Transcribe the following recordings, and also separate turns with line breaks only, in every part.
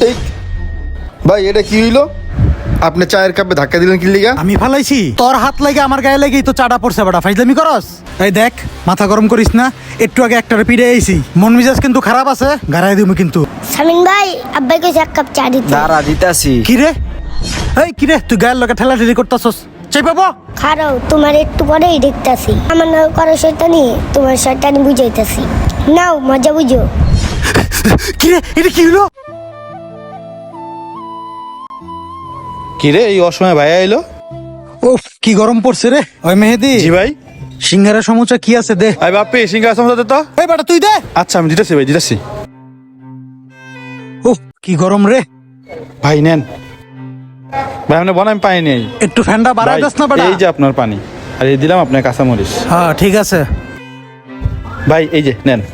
এই ভাই এটা কি হইলো? আপনি চায়ের কাপে ধাক্কা দিলেন কি লিগা?
আমি ফালাইছি? তোর হাত লাগে আমার গায়ে লেগেই তো চাটা পড়ছে বেটা, ফাইজলামি করস? এই দেখ, মাথা গরম করিস না। একটু আগে একটারে পিড়ে আইছি, মন মেজাজ কিন্তু খারাপ আছে, গাড়াই দিমু কিন্তু।
শামিন ভাই, আব্বাই কইছে এক কাপ চা দিতে।
দাঁড়া দিতাছি।
কি রে? এই কি রে, তুই গায়ের লগে ঠেলাঠেলি করতাছস? চাই পাবো?
খারাও, তোমার একটু পরেই দেখতাছি। আমার নাও করো শয়তানি, তোমার শয়তানি বুঝাইতাছি। নাও মজা বুঝো।
কি রে, এটা কি হলো?
কি রে, এই অসময় ভাই আইলো?
উফ, কি গরম পড়ছে রে। ওই মেহেদি,
জি ভাই।
সিঙ্গারা সমুচা কি আছে দে।
ভাই বাপ্পি সিঙ্গারা সমস্যা তো।
এই বেটা তুই দে।
আচ্ছা আমি দিতেছি ভাই, দিতেছি।
উফ, কি গরম রে।
ভাই নেন ভাই, আপনি বলেন পানি নেই।
একটু ফ্যানটা বাড়াই
ভাই,
দাস না বেটা।
এই যে আপনার পানি, আর এই দিলাম আপনার কাঁচামরিচ।
হ্যাঁ ঠিক আছে।
ভাই এই যে নেন।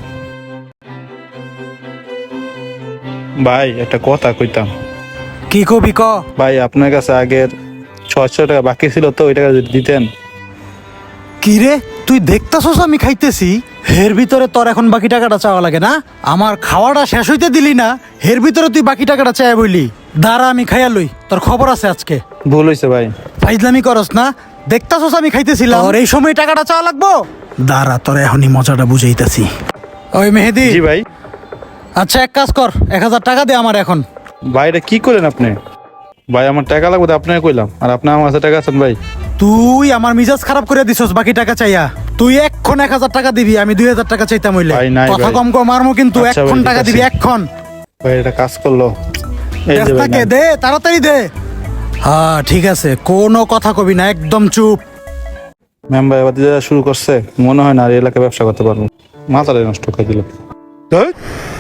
ভাই একটা কথা কইতাম।
কি কবি ক।
ভাই আপনার কাছে আগের 600 টাকা বাকি ছিল তো, ওই টাকা যদি দিতেন।
কি রে, তুই দেখতাছস আমি খাইতেছি, হের ভিতরে তোর এখন বাকি টাকাটা চাওয়া লাগে না? আমার খাওয়াটা শেষ হইতে দিলি না, হের ভিতরে তুই বাকি টাকাটা চাই বইলি। দাঁড়া আমি খাইয়া লই, তোর খবর আছে আজকে।
ভুল হয়েছে ভাই।
ফাইজলামি করস না, দেখতাছস আমি খাইতেছিলাম, আর এই সময় টাকাটা চাওয়া লাগবো? দাঁড়া তোর এখনই মজাটা বুঝাইতাছি। ওই মেহেদি।
জি ভাই।
আচ্ছা এক কাজ কর, 1000 টাকা দে আমার এখন।
ভাই এটা কি করলেন আপনি? ভাই আমার টাকা লাগবে তো আপনাকে কইলাম, আর আপনি আমার কাছে টাকা আছেন ভাই।
তুই আমার মিজাজ খারাপ করে দিছস বাকি টাকা চাইয়া। তুই এক্ষণ 1000 টাকা দিবি, আমি 2000 টাকা চাইতাম হইলে।
ভাই, নাই
কথা
ভাই।
কম কম মারমু কিন্তু,
আচ্ছা
এক্ষণ
ভাই,
টাকা
ঠিক
দিবি
আছে।
এক্ষণ।
ভাই এটা কাজ করলো। এই যে ভাই
দেশটাকে
নেন।
দে, তাড়াতাড়ি দে। হ্যাঁ ঠিক আছে, কোনো কথা কবি না, একদম চুপ।
মেম্বার এবার দিয়ে শুরু করছে, মনে হয় না আর এই এলাকায় ব্যবসা করতে পারবো। মাথাটাই নষ্ট করে দিল। ধুর।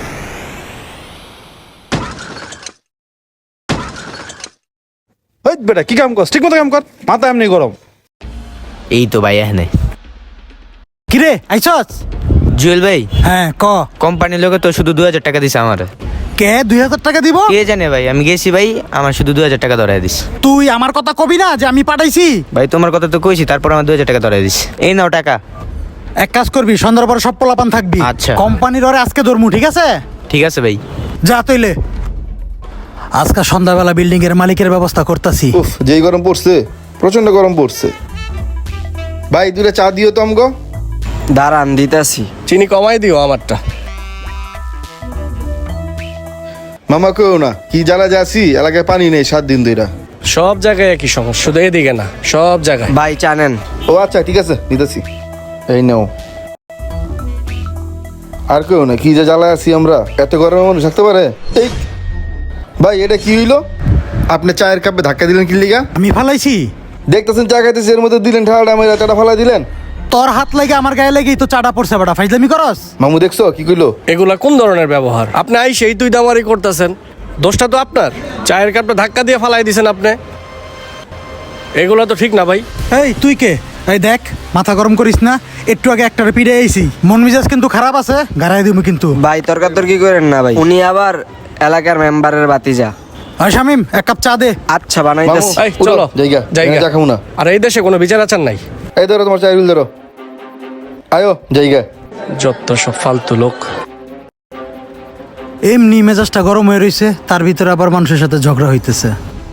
এই বেটা কি কাম করছ? ঠিক মতো কাম কর, মাথা এমনি গরম।
এই তো ভাই এখানে।
কিরে আইছস?
জুয়েল ভাই,
হ্যাঁ ক।
কোম্পানির লোকে তো শুধু 2000 টাকা দিছে আমার।
কে 2000 টাকা দিব?
কে জানে ভাই, আমি গেছি ভাই, আমার শুধু 2000 টাকা ধরাই দিস।
তুই আমার কথা কবি না যে আমি পাঠাইছি?
ভাই তোমার কথা তো কইছি, তারপর আমার 2000 টাকা ধরাই দিস। এই নাও টাকা।
এক কাজ করবি, সন্ধ্যার পরে সব পোলাপান থাকবি।
আচ্ছা।
কোম্পানির ওরে আজকে ধরমু, ঠিক আছে?
ঠিক আছে ভাই।
যা তইলে। আজকে সন্ধ্যাবেলা বিল্ডিং এর মালিকের ব্যবস্থা করতাছি।
উফ, যেই গরম পড়ছে, প্রচন্ড গরম পড়ছে। ভাই দুটা চা দিও তো আমগো।
দাঁড়ান দিতাছি।
চিনি কমাই দিও আমারটা।
মামা কেউ না, কি জ্বালা যাচ্ছি, এলাকায় পানি নেই 7 দিন ধইরা।
সব জায়গায় একই সমস্যা, শুধু এদিকে না, সব জায়গায়।
ভাই জানেন।
ও আচ্ছা ঠিক আছে, নিতেছি। এই নাও। আর কেউ না, কি যে জ্বালা আছি আমরা, এত গরমে মানুষ থাকতে পারে? এই ভাই এটা কি হইলো? আপনি চায়ের কাপে ধাক্কা দিলেন কি লিগা?
আমি ফালাইছি?
দেখতেছেন চা খাইতেছি, এর মধ্যে দিলেন ঠাড়া, আমার চাটা ফালাই দিলেন।
তোর হাত লাগে আমার গায়ে লেগেই তো চাটা পড়ছে বেটা, ফাইজলামি করস?
মামু দেখছো কি কইলো?
এগুলা কোন ধরনের ব্যবহার? আপনি আই সেই তুই দামারি করতেছেন, দোষটা তো আপনার। চায়ের কাপটা ধাক্কা দিয়ে ফালাই দিছেন আপনি, এগুলা তো ঠিক না ভাই।
এই তুই কে? এই দেখ, মাথা গরম করিস না। একটু আগে একটারে পিড়ে আইছি, মন মেজাজ কিন্তু খারাপ আছে, গাড়াই দিমু কিন্তু।
ভাই তর্কাতর্কি করেন না ভাই, উনি আবার এলাকার মেম্বারের বাতিজা।
আর শামিম, এক কাপ চা দে।
আচ্ছা
মামু
বানাইতাছি।
এই,
উঠো,
চলো।
জায়গা
জায়গা।
চা খাবো না।
আর এই দেশে কোনো বিচার আচার নাই।
এই ধরো তোমার চায়ের বিল ধরো। আয়ো জায়গা।
যত সব ফালতু লোক।
এমনি মেজাজটা গরম হয়ে রইছে, তার ভিতরে আবার মানুষের সাথে ঝগড়া হইতেছে।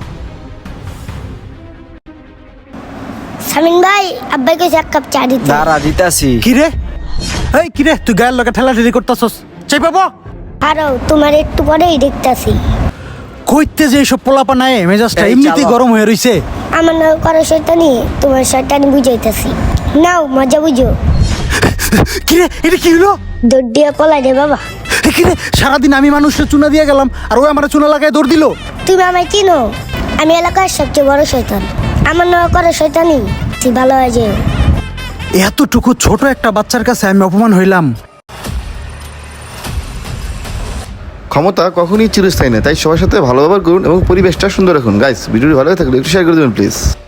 শামিন ভাই, আব্বাই কইছে এক কাপ চা দিতে।
দাঁড়া দিতাছি।
কি রে? এই কি রে, তুই গায়ের লগে ঠেলাঠেলি করতাছস? চাই পাবো?
খারাও, তোমার একটু পরেই দেখতাছি।
কইতে যে এইসব পোলাপা নাই, মেজাজটা
এই
এমনিতেই
চালা।
গরম হয়ে রইছে।
আমার নাও করো শয়তানি, তোমার শয়তানি বুঝাইতাছি। নাও মজা বুঝো।
কি রে, এটা কি হলো?
দৌড় দিয়া পলাই রে বাবা।
এ কি রে, সারাদিন আমি মানুষের চুনা দিয়ে গেলাম, আর ওই আমার চুনা লাগায় দৌড় দিল।
তুমি আমায় চিনো? আমি এলাকার সবচেয়ে বড় শয়তান। আমার নাও করো শয়তানি, তুই ভালো হয়ে যেও।
এতটুকু ছোট একটা বাচ্চার কাছে আমি অপমান হইলাম।
ক্ষমতা কখনই চিরস্থায়ী না, তাই সবার সাথে ভালো ব্যবহার করুন এবং পরিবেশটা সুন্দর রাখুন। গাইস ভিডিওটি ভালো লাগলে একটু শেয়ার করে দেবেন প্লিজ।